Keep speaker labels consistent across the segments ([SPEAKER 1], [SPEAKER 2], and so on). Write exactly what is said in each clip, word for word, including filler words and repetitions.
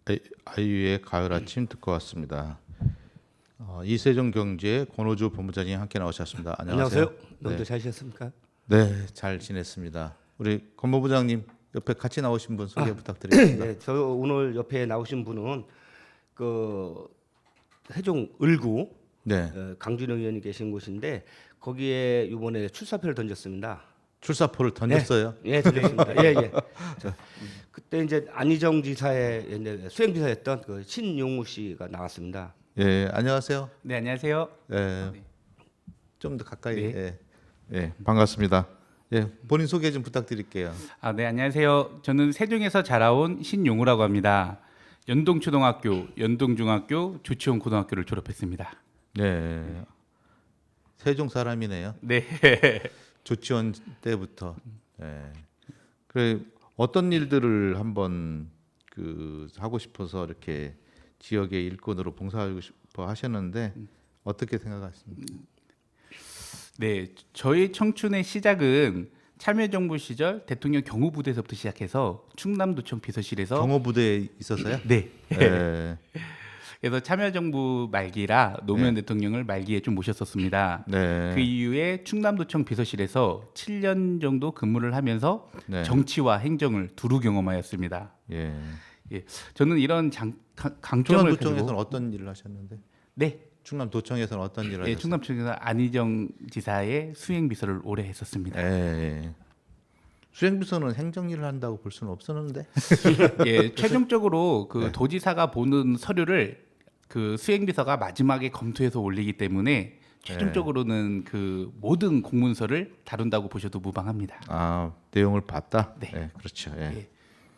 [SPEAKER 1] 아이- 아이유의 가을 아침 듣고 왔습니다. 어, 이세종 경제 권오주 본부장님 함께 나오셨습니다. 안녕하세요.
[SPEAKER 2] 안녕하세요. 명절 잘 지냈습니까?
[SPEAKER 1] 네, 잘 지냈습니다. 우리 권 본부장님 옆에 같이 나오신 분 소개 부탁드리겠습니다.
[SPEAKER 2] 네, 저 오늘 옆에 나오신 분은 그 세종 을구
[SPEAKER 1] 네,
[SPEAKER 2] 어, 강준영 의원이 계신 곳인데 거기에 이번에 출사표를 던졌습니다.
[SPEAKER 1] 출사표를 던졌어요.
[SPEAKER 2] 예, 던졌습니다. 예, 예. 저, 그때 이제 안희정 지사의 이제 수행지사였던 그 신용우 씨가 나왔습니다.
[SPEAKER 1] 예, 안녕하세요.
[SPEAKER 3] 네, 안녕하세요.
[SPEAKER 1] 예, 좀 더 가까이.
[SPEAKER 3] 네.
[SPEAKER 1] 예, 예, 반갑습니다. 예, 본인 소개 좀 부탁드릴게요.
[SPEAKER 3] 아, 네, 안녕하세요. 저는 세종에서 자라온 신용우라고 합니다. 연동초등학교, 연동중학교, 조치원 고등학교를 졸업했습니다.
[SPEAKER 1] 네, 세종 사람이네요.
[SPEAKER 3] 네.
[SPEAKER 1] 조치원 때부터. 예. 그래 어떤 일들을 한번 그 하고 싶어서 이렇게 지역의 일꾼으로 봉사하고 싶어 하셨는데 어떻게 생각하십니까?
[SPEAKER 3] 네, 저희 청춘의 시작은 참여정부 시절 대통령 경호부대에서부터 시작해서 충남도청 비서실에서
[SPEAKER 1] 경호부대에 있어서요?
[SPEAKER 3] 네.
[SPEAKER 1] 예.
[SPEAKER 3] 그래서 참여정부 말기라 노무현
[SPEAKER 1] 네.
[SPEAKER 3] 대통령을 말기에 좀 모셨었습니다.
[SPEAKER 1] 네.
[SPEAKER 3] 그 이후에 충남도청 비서실에서 칠 년 정도 근무를 하면서
[SPEAKER 1] 네.
[SPEAKER 3] 정치와 행정을 두루 경험하였습니다.
[SPEAKER 1] 예.
[SPEAKER 3] 예, 저는 이런 장, 강- 강점을
[SPEAKER 1] 충남도청에서는
[SPEAKER 3] 가지고
[SPEAKER 1] 어떤 일을 하셨는데?
[SPEAKER 3] 네,
[SPEAKER 1] 충남도청에서는 어떤 일을
[SPEAKER 3] 예,
[SPEAKER 1] 하셨어요?
[SPEAKER 3] 충남청에서 안희정 지사의 수행 비서를 오래 했었습니다.
[SPEAKER 1] 예. 예. 수행비서는 행정 일을 한다고 볼 수는 없었는데.
[SPEAKER 3] 예, 최종적으로 그
[SPEAKER 1] 네.
[SPEAKER 3] 도지사가 보는 서류를 그 수행 비서가 마지막에 검토해서 올리기 때문에 최종적으로는 그 모든 공문서를 다룬다고 보셔도 무방합니다.
[SPEAKER 1] 아, 내용을 봤다.
[SPEAKER 3] 네.
[SPEAKER 1] 예, 그렇죠. 예.
[SPEAKER 3] 예.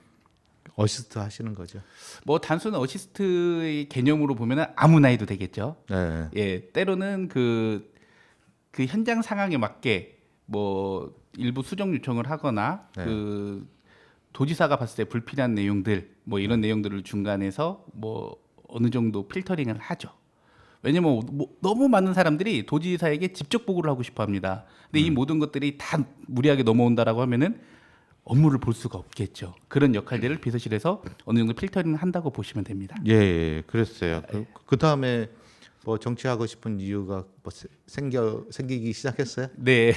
[SPEAKER 1] 어시스트 하시는 거죠.
[SPEAKER 3] 뭐 단순 어시스트의 개념으로 보면은 아무나 해도 되겠죠.
[SPEAKER 1] 네.
[SPEAKER 3] 예, 때로는 그, 그 현장 상황에 맞게 뭐 일부 수정 요청을 하거나
[SPEAKER 1] 네.
[SPEAKER 3] 그 도지사가 봤을 때 불필요한 내용들 뭐 이런 내용들을 중간에서 뭐 어느 정도 필터링을 하죠. 왜냐면 뭐 너무 많은 사람들이 도지사에게 직접 보고를 하고 싶어 합니다. 근데 이 모든 것들이 다 무리하게 넘어온다라고 하면은 업무를 볼 수가 없겠죠. 그런 역할들을 비서실에서 어느 정도 필터링 한다고 보시면 됩니다.
[SPEAKER 1] 예, 예, 그랬어요. 그, 그 다음에 뭐 정치하고 싶은 이유가 뭐 세- 생겨 생기기 시작했어요?
[SPEAKER 3] 네.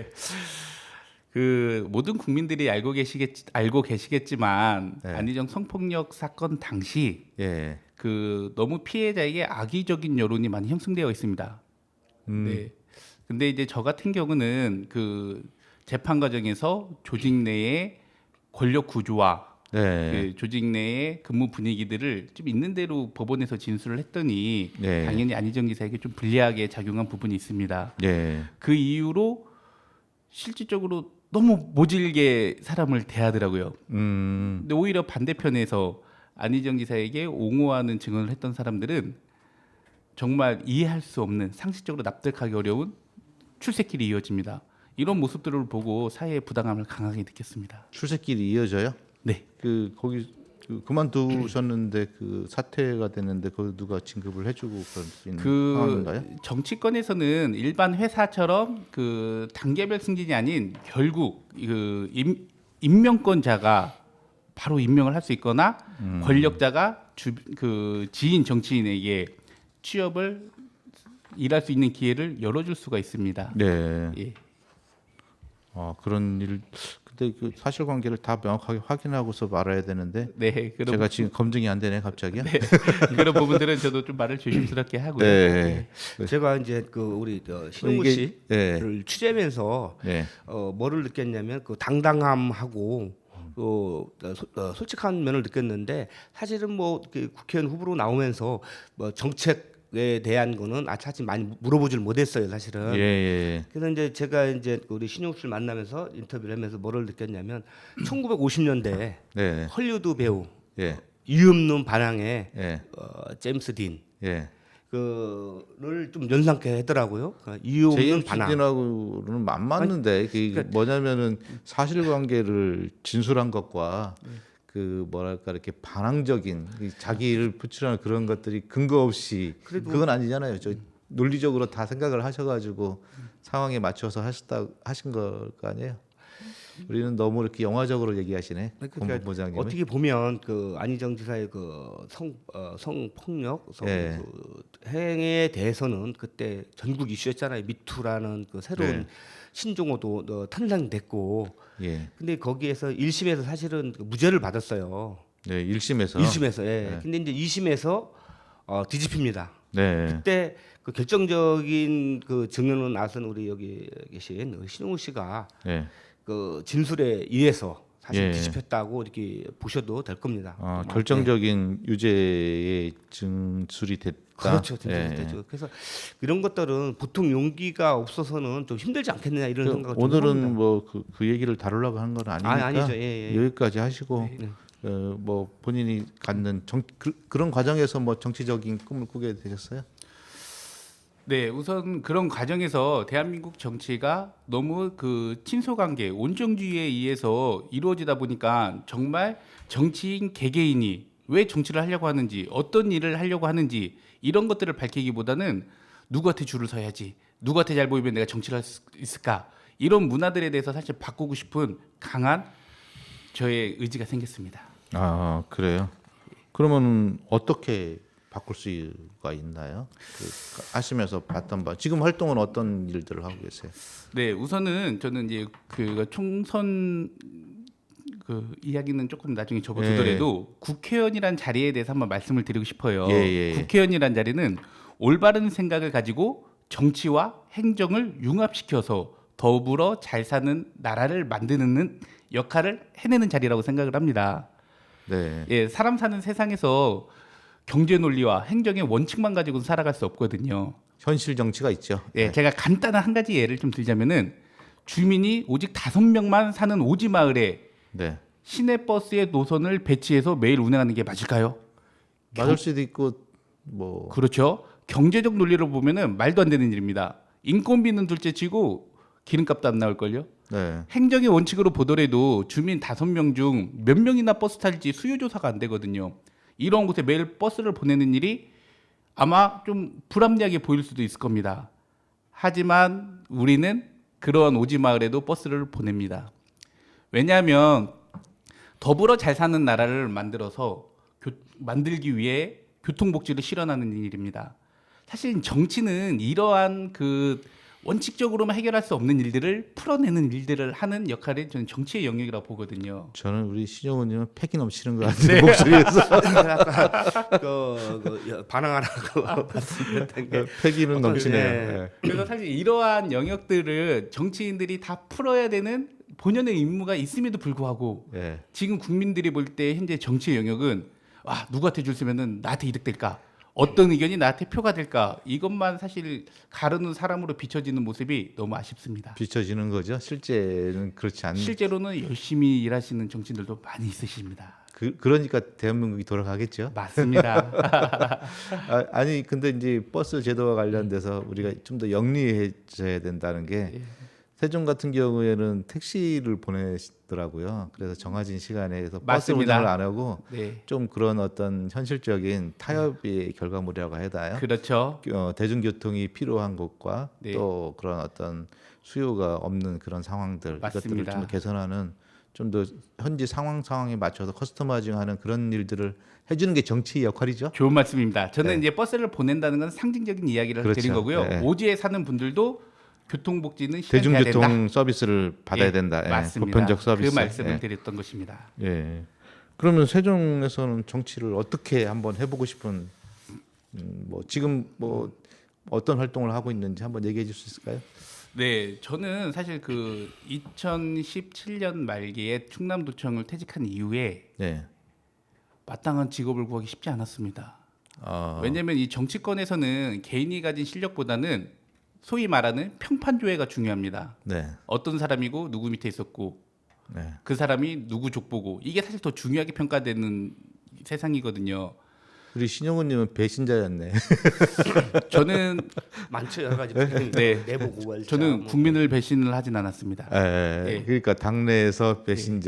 [SPEAKER 3] 그 모든 국민들이 알고 계시겠 알고 계시겠지만
[SPEAKER 1] 네.
[SPEAKER 3] 안희정 성폭력 사건 당시
[SPEAKER 1] 예,
[SPEAKER 3] 그 너무 피해자에게 악의적인 여론이 많이 형성되어 있습니다.
[SPEAKER 1] 음,
[SPEAKER 3] 네. 근데 이제 저 같은 경우는 그 재판 과정에서 조직 내의 권력 구조와
[SPEAKER 1] 네,
[SPEAKER 3] 그 조직 내의 근무 분위기들을 좀 있는 대로 법원에서 진술을 했더니
[SPEAKER 1] 네.
[SPEAKER 3] 당연히 안희정 지사에게 좀 불리하게 작용한 부분이 있습니다.
[SPEAKER 1] 예,
[SPEAKER 3] 그 이후로 실질적으로 너무 모질게 사람을 대하더라고요.
[SPEAKER 1] 음,
[SPEAKER 3] 근데 오히려 반대편에서 안희정 지사에게 옹호하는 증언을 했던 사람들은 정말 이해할 수 없는 상식적으로 납득하기 어려운 출세길이 이어집니다. 이런 모습들을 보고 사회의 부당함을 강하게 느꼈습니다.
[SPEAKER 1] 출세길이 이어져요?
[SPEAKER 3] 네.
[SPEAKER 1] 그 거기 그 그만두셨는데 그 사퇴가 됐는데 그 누가 진급을 해주고 그럴 수 있는
[SPEAKER 3] 그
[SPEAKER 1] 상황인가요?
[SPEAKER 3] 정치권에서는 일반 회사처럼 그 단계별 승진이 아닌 결국 그 임, 임명권자가 바로 임명을 할 수 있거나
[SPEAKER 1] 음.
[SPEAKER 3] 권력자가 주, 그 지인 정치인에게 취업을 일할 수 있는 기회를 열어줄 수가 있습니다.
[SPEAKER 1] 네.
[SPEAKER 3] 예.
[SPEAKER 1] 어, 그런 일. 근데 그 사실관계를 다 명확하게 확인하고서 말해야 되는데
[SPEAKER 3] 네, 그런
[SPEAKER 1] 제가 지금 검증이 안 되네 갑자기요.
[SPEAKER 3] 네, 그런 부분들은 저도 좀 말을 조심스럽게 하고요.
[SPEAKER 1] 네.
[SPEAKER 2] 제가 이제 그 우리 저 신용우
[SPEAKER 1] 이게-
[SPEAKER 2] 씨를
[SPEAKER 1] 네.
[SPEAKER 2] 취재하면서
[SPEAKER 1] 네.
[SPEAKER 2] 어, 뭐를 느꼈냐면 그 당당함하고 그 어, 소- 어, 솔직한 면을 느꼈는데 사실은 뭐그 국회의원 후보로 나오면서 뭐 정책에 대한 거는 아차치 많이 물어보질 못했어요 사실은.
[SPEAKER 1] 예, 예.
[SPEAKER 2] 그래서 이제 제가 이제 우리 신용 씨를 만나면서 인터뷰를 하면서 뭐를 느꼈냐면 천구백오십 년대
[SPEAKER 1] 네.
[SPEAKER 2] 헐리우드 배우
[SPEAKER 1] 예.
[SPEAKER 2] 이없는 반항의
[SPEAKER 1] 예.
[SPEAKER 2] 어, 제임스 딘
[SPEAKER 1] 예.
[SPEAKER 2] 그를 좀 연상케 하더라고요. 그러니까 이없는
[SPEAKER 1] 제임스
[SPEAKER 2] 반항.
[SPEAKER 1] 딘하고는 안 맞는데 그게
[SPEAKER 2] 그러니까-
[SPEAKER 1] 뭐냐면은 사실관계를 진술한 것과 그 뭐랄까 이렇게 반항적인 이 자기를 표출하는 그런 것들이 근거 없이
[SPEAKER 2] 그래도-
[SPEAKER 1] 그건 아니잖아요. 저 논리적으로 다 생각을 하셔가지고 상황에 맞춰서 하셨다 하신 걸 거 아니에요. 우리는 너무 이렇게 영화적으로 얘기하시네.
[SPEAKER 2] 그러니까
[SPEAKER 1] 본부장님.
[SPEAKER 2] 어떻게 보면 그 안희정 지사의 그성 어, 성폭력 성
[SPEAKER 1] 예.
[SPEAKER 2] 그 행위에 대해서는 그때 전국 이슈였잖아요. 미투라는 그 새로운
[SPEAKER 1] 네.
[SPEAKER 2] 신종어도 어, 탄생됐고,
[SPEAKER 1] 예.
[SPEAKER 2] 근데 거기에서 일 심에서 사실은 그 무죄를 받았어요.
[SPEAKER 1] 네, 일 심에서.
[SPEAKER 2] 일 심에서. 예.
[SPEAKER 1] 네.
[SPEAKER 2] 근데 이제 이 심에서 어, 뒤집힙니다.
[SPEAKER 1] 네.
[SPEAKER 2] 그때 그 결정적인 그 증언을 나선 우리 여기 계신 그 신용우 씨가
[SPEAKER 1] 네.
[SPEAKER 2] 그 진술에 의해서 사실
[SPEAKER 1] 예.
[SPEAKER 2] 뒤집혔다고 이렇게 보셔도 될 겁니다.
[SPEAKER 1] 아,
[SPEAKER 2] 네.
[SPEAKER 1] 결정적인 유죄의 증술이 됐다.
[SPEAKER 2] 그렇죠, 진짜
[SPEAKER 1] 예,
[SPEAKER 2] 되죠. 그래서 이런 것들은 보통 용기가 없어서는 좀 힘들지 않겠느냐 이런
[SPEAKER 1] 그
[SPEAKER 2] 생각을 좀
[SPEAKER 1] 오늘은
[SPEAKER 2] 해봅니다.
[SPEAKER 1] 뭐그 그 얘기를 다루려고 한 건 아니니까
[SPEAKER 2] 아, 아니죠. 예, 예.
[SPEAKER 1] 여기까지 하시고
[SPEAKER 2] 네.
[SPEAKER 1] 어, 뭐 본인이 갖는 정, 그, 그런 과정에서 뭐 정치적인 꿈을 꾸게 되셨어요?
[SPEAKER 3] 네, 우선 그런 과정에서 대한민국 정치가 너무 그 친소관계, 온정주의에 의해서 이루어지다 보니까 정말 정치인 개개인이 왜 정치를 하려고 하는지, 어떤 일을 하려고 하는지 이런 것들을 밝히기보다는 누구한테 줄을 서야지, 누구한테 잘 보이면 내가 정치를 할 수 있을까, 이런 문화들에 대해서 사실 바꾸고 싶은 강한 저의 의지가 생겼습니다.
[SPEAKER 1] 아 그래요? 그러면 어떻게 바꿀 수가 있나요? 그 하시면서 봤던 바 지금 활동은 어떤 일들을 하고 계세요?
[SPEAKER 3] 네, 우선은 저는 이제 그 총선 그 이야기는 조금 나중에 접어두더라도 국회의원이란 자리에 대해서 한번 말씀을 드리고 싶어요.
[SPEAKER 1] 예, 예, 예.
[SPEAKER 3] 국회의원이란 자리는 올바른 생각을 가지고 정치와 행정을 융합시켜서 더불어 잘 사는 나라를 만드는 역할을 해내는 자리라고 생각을 합니다.
[SPEAKER 1] 네.
[SPEAKER 3] 예, 사람 사는 세상에서 경제 논리와 행정의 원칙만 가지고는 살아갈 수 없거든요.
[SPEAKER 1] 현실 정치가 있죠.
[SPEAKER 3] 예,
[SPEAKER 1] 네.
[SPEAKER 3] 제가 간단한 한 가지 예를 좀 들자면은 주민이 오직 다섯 명만 사는 오지 마을에
[SPEAKER 1] 네.
[SPEAKER 3] 시내 버스의 노선을 배치해서 매일 운행하는 게 맞을까요?
[SPEAKER 1] 맞을 수도 있고 뭐
[SPEAKER 3] 그렇죠. 경제적 논리로 보면은 말도 안 되는 일입니다. 인건비는 둘째치고 기름값도 안 나올걸요.
[SPEAKER 1] 네.
[SPEAKER 3] 행정의 원칙으로 보더라도 주민 다섯 명 중 몇 명이나 버스 탈지 수요 조사가 안 되거든요. 이런 곳에 매일 버스를 보내는 일이 아마 좀 불합리하게 보일 수도 있을 겁니다. 하지만 우리는 그러한 오지 마을에도 버스를 보냅니다. 왜냐하면 더불어 잘 사는 나라를 만들어서 교, 만들기 위해 교통복지를 실현하는 일입니다. 사실 정치는 이러한 그 원칙적으로만 해결할 수 없는 일들을 풀어내는 일들을 하는 역할이 저는 정치의 영역이라고 보거든요.
[SPEAKER 1] 저는 우리 신영훈님은 패기 넘치는 것 같아요. 목소리에서
[SPEAKER 2] 그, 그 반항하라고 말씀드렸던 게
[SPEAKER 1] 패기는
[SPEAKER 2] 어떤-
[SPEAKER 1] 넘치네요.
[SPEAKER 2] 예.
[SPEAKER 1] 네.
[SPEAKER 3] 그래서 사실 이러한 영역들을 정치인들이 다 풀어야 되는 본연의 임무가 있음에도 불구하고
[SPEAKER 1] 예.
[SPEAKER 3] 지금 국민들이 볼 때 현재 정치의 영역은 와 누구한테 줄 쓰면은 나한테 이득될까? 어떤 의견이 나한테 표가 될까? 이것만 사실 가르는 사람으로 비춰지는 모습이 너무 아쉽습니다.
[SPEAKER 1] 비춰지는 거죠. 실제는 그렇지 않.
[SPEAKER 3] 실제로는 열심히 일하시는 정치인들도 많이 있으십니다.
[SPEAKER 1] 그 그러니까 대한민국이 돌아가겠죠.
[SPEAKER 3] 맞습니다.
[SPEAKER 1] 아, 아니 근데 이제 버스 제도와 관련돼서 우리가 좀 더 영리해져야 된다는 게
[SPEAKER 3] 예.
[SPEAKER 1] 세종 같은 경우에는 택시를 보내시더라고요. 그래서 정해진 시간에 그래서 버스
[SPEAKER 3] 맞습니다.
[SPEAKER 1] 운행을 안 하고
[SPEAKER 3] 네,
[SPEAKER 1] 좀 그런 어떤 현실적인 타협의 결과물이라고 해야 되나요?
[SPEAKER 3] 그렇죠.
[SPEAKER 1] 어, 대중교통이 필요한 곳과
[SPEAKER 3] 네.
[SPEAKER 1] 또 그런 어떤 수요가 없는 그런 상황들 이것들을
[SPEAKER 3] 맞습니다.
[SPEAKER 1] 좀 더 개선하는 좀 더 현지 상황 상황에 맞춰서 커스터마이징하는 그런 일들을 해주는 게 정치의 역할이죠.
[SPEAKER 3] 좋은 말씀입니다. 저는
[SPEAKER 1] 네.
[SPEAKER 3] 이제 버스를 보낸다는 건 상징적인 이야기를
[SPEAKER 1] 그렇죠.
[SPEAKER 3] 드린 거고요.
[SPEAKER 1] 네.
[SPEAKER 3] 오지에 사는 분들도 교통복지는 실현돼야 된다.
[SPEAKER 1] 대중교통 서비스를 받아야
[SPEAKER 3] 예,
[SPEAKER 1] 된다. 예,
[SPEAKER 3] 맞습니다.
[SPEAKER 1] 보편적 서비스.
[SPEAKER 3] 그 말씀을
[SPEAKER 1] 예.
[SPEAKER 3] 드렸던 것입니다.
[SPEAKER 1] 예. 그러면 세종에서는 정치를 어떻게 한번 해보고 싶은 음, 뭐 지금 뭐 어떤 활동을 하고 있는지 한번 얘기해 줄 수 있을까요?
[SPEAKER 3] 네, 저는 사실 그 이천십칠 년 말기에 충남도청을 퇴직한 이후에
[SPEAKER 1] 네.
[SPEAKER 3] 마땅한 직업을 구하기 쉽지 않았습니다.
[SPEAKER 1] 어,
[SPEAKER 3] 왜냐하면 이 정치권에서는 개인이 가진 실력보다는 소위 말하는 평판조회가 중요합니다.
[SPEAKER 1] 네.
[SPEAKER 3] 어떤 사람이고 누구 밑에 있었고
[SPEAKER 1] 네.
[SPEAKER 3] 그 사람이 누구 족보고 이게 사실 더 중요하게 평가되는 세상이거든요.
[SPEAKER 1] 우리 신영훈님은 배신자였네.
[SPEAKER 3] 저는
[SPEAKER 2] 많죠 여러 가지
[SPEAKER 3] 네.
[SPEAKER 2] 내부 고발자
[SPEAKER 3] 저는
[SPEAKER 2] 뭐.
[SPEAKER 3] 국민을 배신을 하진 않았습니다.
[SPEAKER 1] 예,
[SPEAKER 3] 예.
[SPEAKER 1] 그러니까 당내에서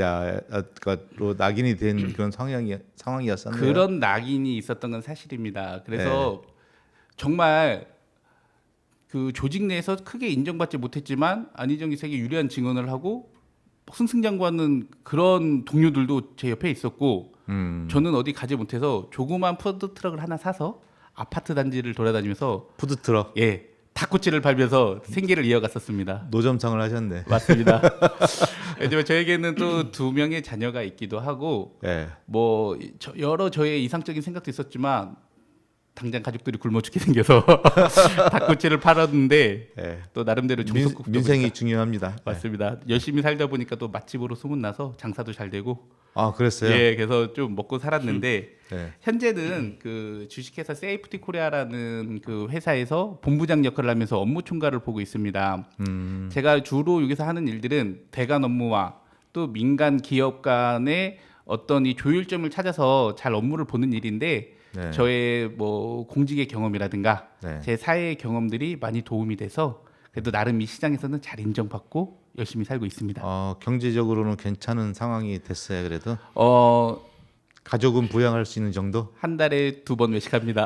[SPEAKER 1] 배신자로 낙인이 된 그런 상황이 상황이었었네요.
[SPEAKER 3] 그런 낙인이 있었던 건 사실입니다. 그래서 정말 그 조직 내에서 크게 인정받지 못했지만 안희정 기사에게 유리한 증언을 하고 승승장구하는 그런 동료들도 제 옆에 있었고
[SPEAKER 1] 음.
[SPEAKER 3] 저는 어디 가지 못해서 조그만 푸드 트럭을 하나 사서 아파트 단지를 돌아다니면서
[SPEAKER 1] 푸드 트럭
[SPEAKER 3] 예 닭꼬치를 팔면서 생계를 이어갔었습니다.
[SPEAKER 1] 노점상을 하셨네.
[SPEAKER 3] 맞습니다. 하지만 저에게는 또 두 명의 자녀가 있기도 하고
[SPEAKER 1] 예.
[SPEAKER 3] 뭐 저- 여러 저의 이상적인 생각도 있었지만 당장 가족들이 굶어 죽게 생겨서 닭꼬치를 팔았는데
[SPEAKER 1] 예.
[SPEAKER 3] 또 나름대로
[SPEAKER 1] 민,
[SPEAKER 3] 종속국도
[SPEAKER 1] 민생이
[SPEAKER 3] 보니까-
[SPEAKER 1] 중요합니다.
[SPEAKER 3] 맞습니다. 열심히 살다 보니까 또 맛집으로 소문나서 장사도 잘 되고
[SPEAKER 1] 아 그랬어요.
[SPEAKER 3] 예, 그래서 좀 먹고 살았는데
[SPEAKER 1] 예.
[SPEAKER 3] 현재는 그 주식회사 세이프티 코리아라는 그 회사에서 본부장 역할을 하면서 업무 총괄을 보고 있습니다.
[SPEAKER 1] 음.
[SPEAKER 3] 제가 주로 여기서 하는 일들은 대관 업무와 또 민간 기업 간의 어떤 이 조율점을 찾아서 잘 업무를 보는 일인데
[SPEAKER 1] 네.
[SPEAKER 3] 저의 뭐 공직의 경험이라든가
[SPEAKER 1] 네.
[SPEAKER 3] 제 사회의 경험들이 많이 도움이 돼서 그래도 나름 이 시장에서는 잘 인정받고 열심히 살고 있습니다.
[SPEAKER 1] 어, 경제적으로는 괜찮은 상황이 됐어요. 그래도
[SPEAKER 3] 어,
[SPEAKER 1] 가족은 부양할 수 있는 정도.
[SPEAKER 3] 한 달에 두 번 외식합니다.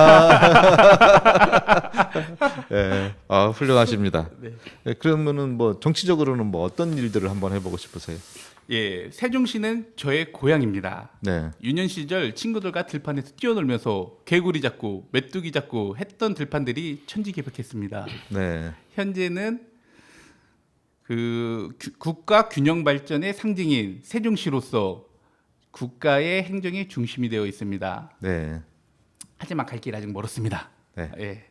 [SPEAKER 1] 예. 아 훌륭하십니다.
[SPEAKER 3] 네.
[SPEAKER 1] 예, 그러면은 뭐 정치적으로는 뭐 어떤 일들을 한번 해보고 싶으세요?
[SPEAKER 3] 예, 세종시는 저의 고향입니다.
[SPEAKER 1] 네.
[SPEAKER 3] 유년 시절 친구들과 들판에서 뛰어놀면서 개구리 잡고 메뚜기 잡고 했던 들판들이 천지개벽했습니다.
[SPEAKER 1] 네.
[SPEAKER 3] 현재는 그 규- 국가 균형 발전의 상징인 세종시로서 국가의 행정의 중심이 되어 있습니다.
[SPEAKER 1] 네.
[SPEAKER 3] 하지만 갈 길 아직 멀었습니다.
[SPEAKER 1] 네.
[SPEAKER 3] 예.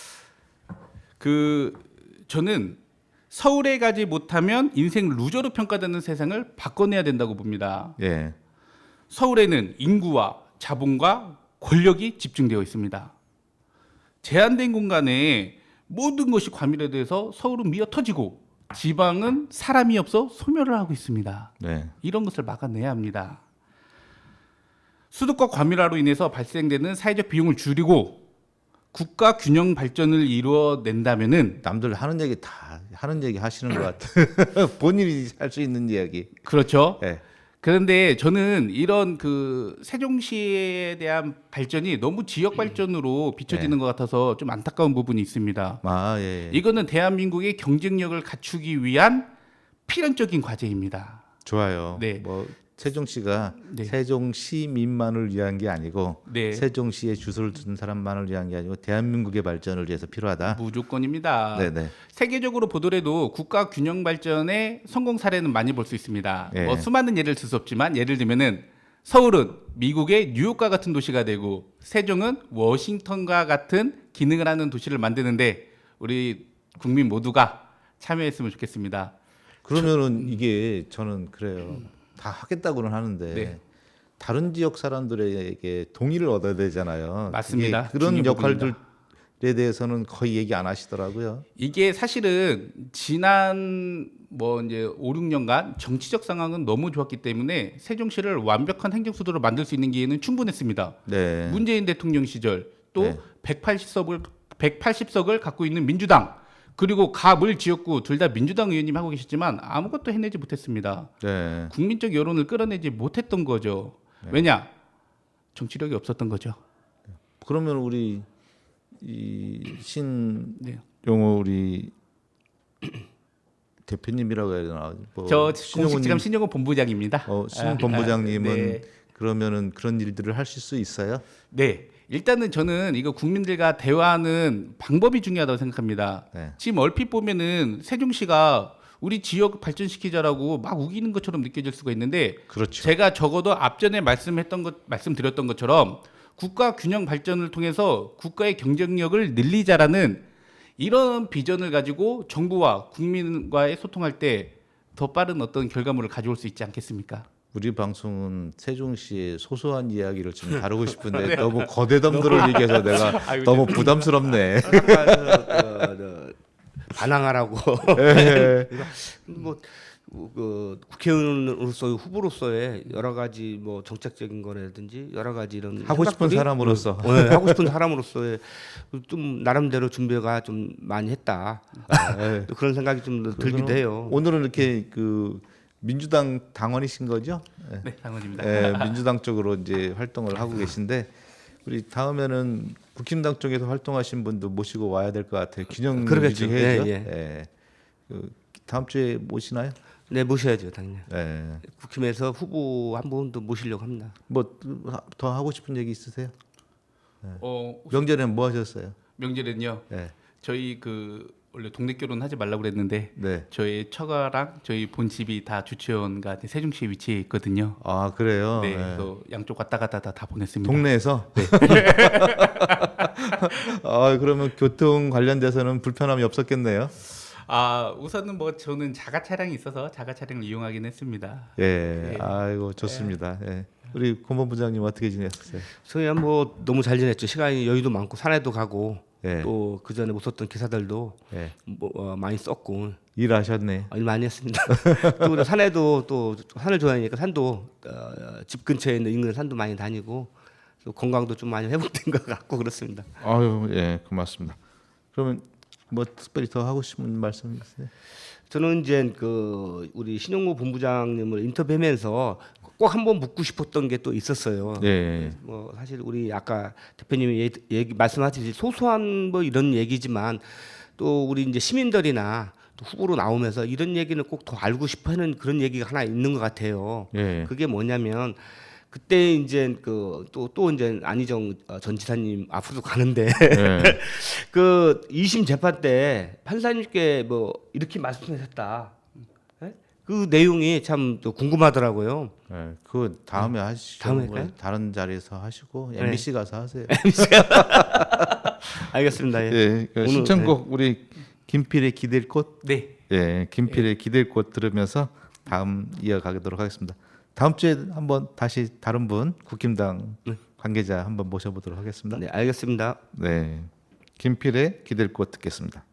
[SPEAKER 3] 그 저는 서울에 가지 못하면 인생 루저로 평가되는 세상을 바꿔내야 된다고 봅니다.
[SPEAKER 1] 예.
[SPEAKER 3] 서울에는 인구와 자본과 권력이 집중되어 있습니다. 제한된 공간에 모든 것이 과밀화돼서 서울은 미어 터지고 지방은 사람이 없어 소멸을 하고 있습니다.
[SPEAKER 1] 네.
[SPEAKER 3] 이런 것을 막아내야 합니다. 수도권 과밀화로 인해서 발생되는 사회적 비용을 줄이고 국가 균형 발전을 이루어낸다면은
[SPEAKER 1] 남들 하는 얘기 다 하는 얘기 하시는 것 같아. 본인이 할 수 있는 이야기.
[SPEAKER 3] 그렇죠.
[SPEAKER 1] 예.
[SPEAKER 3] 그런데 저는 이런 그 세종시에 대한 발전이 너무 지역 발전으로 비춰지는 것 같아서 좀 안타까운 부분이 있습니다.
[SPEAKER 1] 아 예. 예.
[SPEAKER 3] 이거는 대한민국의 경쟁력을 갖추기 위한 필연적인 과제입니다.
[SPEAKER 1] 좋아요.
[SPEAKER 3] 네.
[SPEAKER 1] 뭐 세종시가
[SPEAKER 3] 네.
[SPEAKER 1] 세종시민만을 위한 게 아니고
[SPEAKER 3] 네.
[SPEAKER 1] 세종시에 주소를 둔 사람만을 위한 게 아니고 대한민국의 발전을 위해서 필요하다.
[SPEAKER 3] 무조건입니다.
[SPEAKER 1] 네네.
[SPEAKER 3] 세계적으로 보더라도 국가 균형 발전의 성공 사례는 많이 볼 수 있습니다.
[SPEAKER 1] 예.
[SPEAKER 3] 뭐 수많은 예를 들 수 없지만 예를 들면은 서울은 미국의 뉴욕과 같은 도시가 되고 세종은 워싱턴과 같은 기능을 하는 도시를 만드는데 우리 국민 모두가 참여했으면 좋겠습니다.
[SPEAKER 1] 그러면은 이게 저는 그래요. 다 하겠다고는 하는데
[SPEAKER 3] 네.
[SPEAKER 1] 다른 지역 사람들에게 동의를 얻어야 되잖아요.
[SPEAKER 3] 맞습니다.
[SPEAKER 1] 그게 그런
[SPEAKER 3] 중요
[SPEAKER 1] 역할들에 대해서는 거의 얘기 안 하시더라고요.
[SPEAKER 3] 이게 사실은 지난 뭐 이제 오, 육 년간 정치적 상황은 너무 좋았기 때문에 세종시를 완벽한 행정 수도로 만들 수 있는 기회는 충분했습니다.
[SPEAKER 1] 네.
[SPEAKER 3] 문재인 대통령 시절 또
[SPEAKER 1] 네.
[SPEAKER 3] 백팔십 석을 백팔십 석을 갖고 있는 민주당 그리고 갑을 지역구 둘 다 민주당 의원님 하고 계셨지만 아무것도 해내지 못했습니다.
[SPEAKER 1] 네.
[SPEAKER 3] 국민적 여론을 끌어내지 못했던 거죠. 왜냐? 정치력이 없었던 거죠.
[SPEAKER 1] 그러면 우리 이 신용호
[SPEAKER 3] 네.
[SPEAKER 1] 우리 대표님이라고 해야 되나? 뭐
[SPEAKER 3] 저
[SPEAKER 1] 신용호님,
[SPEAKER 3] 공식 지금 신영호 본부장입니다.
[SPEAKER 1] 어, 신
[SPEAKER 3] 아,
[SPEAKER 1] 본부장님은
[SPEAKER 3] 아, 네.
[SPEAKER 1] 그러면은 그런 일들을 하실 수 있어요?
[SPEAKER 3] 네. 일단은 저는 이거 국민들과 대화하는 방법이 중요하다고 생각합니다.
[SPEAKER 1] 네.
[SPEAKER 3] 지금 얼핏 보면은 세종시가 우리 지역 발전시키자라고 막 우기는 것처럼 느껴질 수가 있는데
[SPEAKER 1] 그렇죠.
[SPEAKER 3] 제가 적어도 앞전에 말씀했던 것 말씀드렸던 것처럼 국가 균형 발전을 통해서 국가의 경쟁력을 늘리자라는 이런 비전을 가지고 정부와 국민과의 소통할 때 더 빠른 어떤 결과물을 가져올 수 있지 않겠습니까?
[SPEAKER 1] 우리 방송은 세종시의 소소한 이야기를 좀 다루고 싶은데 너무 거대덤들을 얘기해서 내가
[SPEAKER 3] 아이고,
[SPEAKER 1] 너무 부담스럽네.
[SPEAKER 2] 아까 저, 저, 저, 반항하라고
[SPEAKER 1] 예.
[SPEAKER 2] 뭐 그 국회의원으로서 후보로서의 여러 가지 뭐 정책적인 거라든지 여러 가지 이런
[SPEAKER 1] 하고 싶은
[SPEAKER 2] 생각들이
[SPEAKER 1] 사람으로서
[SPEAKER 2] 네, 하고 싶은 사람으로서의 좀 나름대로 준비가 좀 많이 했다.
[SPEAKER 1] 예.
[SPEAKER 2] 또 그런 생각이 좀 들기도 해요.
[SPEAKER 1] 오늘은 이렇게 그 민주당 당원이신 거죠? 예.
[SPEAKER 3] 네, 당원입니다.
[SPEAKER 1] 예, 민주당 쪽으로 이제 활동을 하고 계신데 우리 다음에는 국힘당 쪽에서 활동하신 분도 모시고 와야 될 것 같아요. 균형
[SPEAKER 2] 그러겠죠.
[SPEAKER 1] 유지해야죠.
[SPEAKER 2] 예,
[SPEAKER 1] 예. 그 다음 주에 모시나요?
[SPEAKER 2] 네, 모셔야죠, 당연히.
[SPEAKER 1] 네.
[SPEAKER 2] 국힘에서 후보 한 분도 모시려고 합니다.
[SPEAKER 1] 뭐 더 하고 싶은 얘기 있으세요?
[SPEAKER 3] 어,
[SPEAKER 1] 명절에는 뭐 하셨어요?
[SPEAKER 3] 명절엔요.
[SPEAKER 1] 네.
[SPEAKER 3] 저희 그 원래 동네 결혼 하지 말라고 그랬는데
[SPEAKER 1] 네.
[SPEAKER 3] 저희 처가랑 저희 본 집이 다 주최원과 세종시에 위치해 있거든요.
[SPEAKER 1] 아 그래요.
[SPEAKER 3] 네,
[SPEAKER 1] 네.
[SPEAKER 3] 그래서 양쪽 왔다 갔다 다, 다 보냈습니다.
[SPEAKER 1] 동네에서. 네. 아 그러면 교통 관련돼서는 불편함이 없었겠네요.
[SPEAKER 3] 아 우선은 뭐 저는 자가 차량이 있어서 자가 차량을 이용하긴 했습니다.
[SPEAKER 1] 예.
[SPEAKER 3] 네.
[SPEAKER 1] 아이고 좋습니다. 예. 우리 고문부장님 어떻게 지내셨어요?
[SPEAKER 2] 저희야 뭐 너무 잘 지냈죠. 시간이 여유도 많고 산에도 가고
[SPEAKER 1] 예.
[SPEAKER 2] 또 그 전에 못 썼던 기사들도
[SPEAKER 1] 예.
[SPEAKER 2] 뭐 어, 많이 썼고
[SPEAKER 1] 일하셨네.
[SPEAKER 2] 일 많이 했습니다. 또 그리고 산에도 또 산을 좋아하니까 산도 어, 집 근처에 있는 인근 산도 많이 다니고 또 건강도 좀 많이 회복된 것 같고 그렇습니다.
[SPEAKER 1] 아유 예 고맙습니다. 그러면 뭐 특별히 더 하고 싶은 말씀 있으세요?
[SPEAKER 2] 저는 이제 그 우리 신용호 본부장님을 인터뷰하면서 꼭 한번 묻고 싶었던 게 또 있었어요.
[SPEAKER 1] 예.
[SPEAKER 2] 뭐 사실 우리 아까 대표님이 얘기, 얘기 말씀하듯이 소소한 뭐 이런 얘기지만 또 우리 이제 시민들이나 또 후보로 나오면서 이런 얘기는 꼭 더 알고 싶어하는 그런 얘기가 하나 있는 것 같아요.
[SPEAKER 1] 예.
[SPEAKER 2] 그게 뭐냐면 그때 이제 그 또 또 이제 안희정 전 지사님 앞으로 가는데
[SPEAKER 1] 예.
[SPEAKER 2] 그 이심 재판 때 판사님께 뭐 이렇게 말씀하셨다. 예? 그 내용이 참 또 궁금하더라고요.
[SPEAKER 1] 예. 그 다음에 하시죠.
[SPEAKER 2] 다음에
[SPEAKER 1] 뭐
[SPEAKER 2] 할까요?
[SPEAKER 1] 다른 자리에서 하시고
[SPEAKER 2] 네.
[SPEAKER 1] 엠비씨 가서 하세요.
[SPEAKER 2] 알겠습니다. 예.
[SPEAKER 1] 예. 그
[SPEAKER 2] 오늘,
[SPEAKER 1] 신청곡 우리 김필의 기댈 꽃.
[SPEAKER 3] 네.
[SPEAKER 1] 예. 김필의 기댈 꽃 들으면서 다음 이어가도록 하겠습니다. 다음 주에 한번 다시 다른 분 국힘당 관계자 한번 모셔보도록 하겠습니다.
[SPEAKER 2] 네, 알겠습니다.
[SPEAKER 1] 네, 김필의 기댈 꽃 듣겠습니다.